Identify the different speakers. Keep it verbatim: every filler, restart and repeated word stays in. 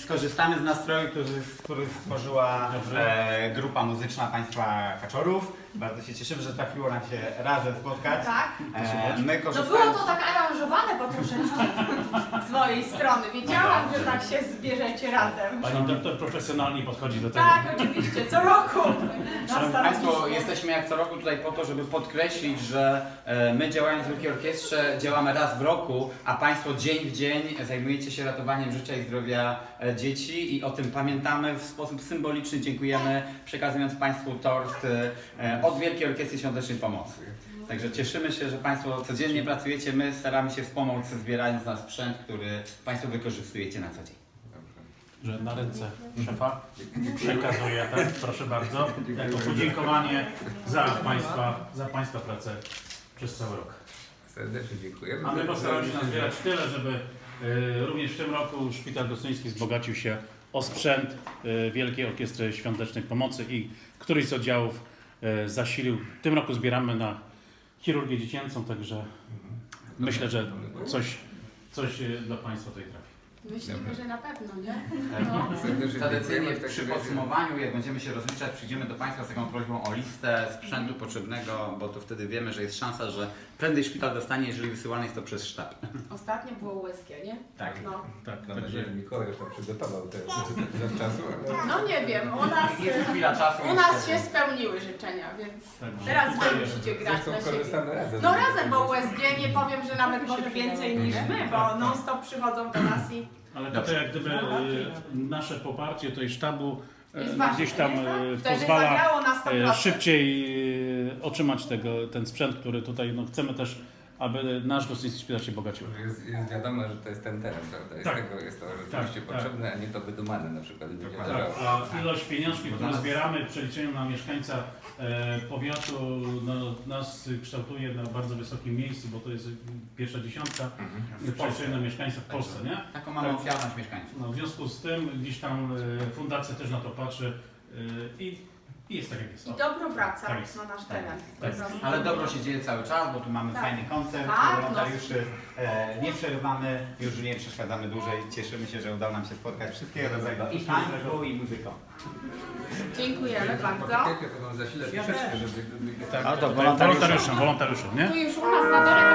Speaker 1: skorzystamy z nastroju, który, który stworzyła e, grupa muzyczna Państwa Kaczorów. Bardzo się cieszymy, że trafiło nam się razem spotkać.
Speaker 2: Tak.
Speaker 1: E, my
Speaker 2: No
Speaker 1: korzystamy...
Speaker 2: było to tak aranżowane po troszeczkę z mojej strony. Wiedziałam, że tak się zbierzecie razem.
Speaker 3: Pani doktor profesjonalnie podchodzi do tego.
Speaker 2: Tak, oczywiście, co roku.
Speaker 1: Szanowni Państwo, jesteśmy jak co roku tutaj po to, żeby podkreślić, że e, my działając w Wielkiej Orkiestrze działamy raz w roku, a Państwo dzień w dzień zajmujecie się ratowaniem życia i zdrowia e, dzieci i o tym pamiętamy w sposób symboliczny. Dziękujemy, przekazując Państwu tort e, od Wielkiej Orkiestry Świątecznej Pomocy. Także cieszymy się, że Państwo codziennie pracujecie, my staramy się wspomóc, zbierając na sprzęt, który Państwo wykorzystujecie na co dzień.
Speaker 3: Że na ręce szefa przekazuję, tak? Proszę bardzo, jako podziękowanie za Państwa, za Państwa pracę przez cały rok.
Speaker 4: Serdecznie dziękujemy.
Speaker 3: A my postaramy się nazbierać tyle, żeby y, również w tym roku Szpital Gostyński wzbogacił się o sprzęt y, Wielkiej Orkiestry Świątecznej Pomocy i któryś z oddziałów y, zasilił. W tym roku zbieramy na chirurgię dziecięcą, także myślę, że coś, coś y, dla Państwa tutaj trafi.
Speaker 2: Myślimy, że na pewno, nie?
Speaker 1: No.
Speaker 4: Serdecznie
Speaker 1: Tradycyjnie
Speaker 4: dziękujemy. W takim
Speaker 1: przy
Speaker 4: razie-
Speaker 1: podsumowaniu, jak będziemy się rozliczać, przyjdziemy do Państwa z taką prośbą o listę sprzętu potrzebnego, bo to wtedy wiemy, że jest szansa, że prędzej szpital dostanie, jeżeli wysyłane jest to przez sztab.
Speaker 2: Ostatnio było U S G, nie?
Speaker 1: Tak.
Speaker 2: No,
Speaker 3: Tak,
Speaker 4: Mam nadzieję, że Mikołaj już tam przygotował te zawczasu, ale...
Speaker 2: no nie wiem, u nas,
Speaker 1: Jest chwila czasu.
Speaker 2: u nas się spełniły życzenia, więc
Speaker 3: Także
Speaker 2: teraz
Speaker 3: tutaj
Speaker 2: wy musicie grać
Speaker 4: Zresztą
Speaker 2: na siebie.
Speaker 4: korzystamy razem.
Speaker 2: No razem, bo U S G nie powiem, że nawet może więcej niż my, bo non stop przychodzą do nas i
Speaker 3: Ale tutaj jak gdyby y, nasze poparcie tutaj sztabu y,
Speaker 2: jest ważne,
Speaker 3: gdzieś tam
Speaker 2: nie?
Speaker 3: y,
Speaker 2: Wtedy
Speaker 3: pozwala
Speaker 2: zagrało na sto
Speaker 3: y,
Speaker 2: procent.
Speaker 3: szybciej y, otrzymać tego, ten sprzęt, który tutaj no, chcemy też, aby nasz gostyński szpital się bogacił.
Speaker 4: Jest, jest wiadomo, że to jest ten teren, prawda? I
Speaker 3: Tak.
Speaker 4: z tego jest to rzeczywiście
Speaker 3: Tak,
Speaker 4: potrzebne, a nie to wydumane na przykład. By nie
Speaker 1: Dokładnie.
Speaker 4: leżało.
Speaker 3: A ilość pieniążków, które zbieramy w przeliczeniu na mieszkańca e, powiatu, no, nas kształtuje na bardzo wysokim miejscu, bo to jest pierwsza dziesiątka w przeliczeniu na mieszkańca w Polsce, nie?
Speaker 1: Taką mamy ofiarność mieszkańców.
Speaker 3: No, w związku z tym gdzieś tam e, fundacja też na to patrzy e, i, i jest tak jak jest.
Speaker 2: I
Speaker 3: O.
Speaker 2: dobro wraca
Speaker 3: Tak jest.
Speaker 2: na nasz teren.
Speaker 3: Tak.
Speaker 2: Po prostu.
Speaker 1: Ale dobro się dzieje cały czas, bo tu mamy
Speaker 2: Tak.
Speaker 1: fajny koncert,
Speaker 2: Tak,
Speaker 1: wolontariuszy e, nie przerywamy, już nie przeszkadzamy dłużej. Cieszymy się, że udało nam się spotkać wszystkiego rodzaju i tańcu, i muzyką.
Speaker 2: Dziękujemy bardzo.
Speaker 4: Poczekajcie, to wam zasilę troszeczkę, żeby... żeby...
Speaker 1: A to
Speaker 3: Wolontariuszem, wolontariuszem, nie?
Speaker 2: Tu już u nas na terenie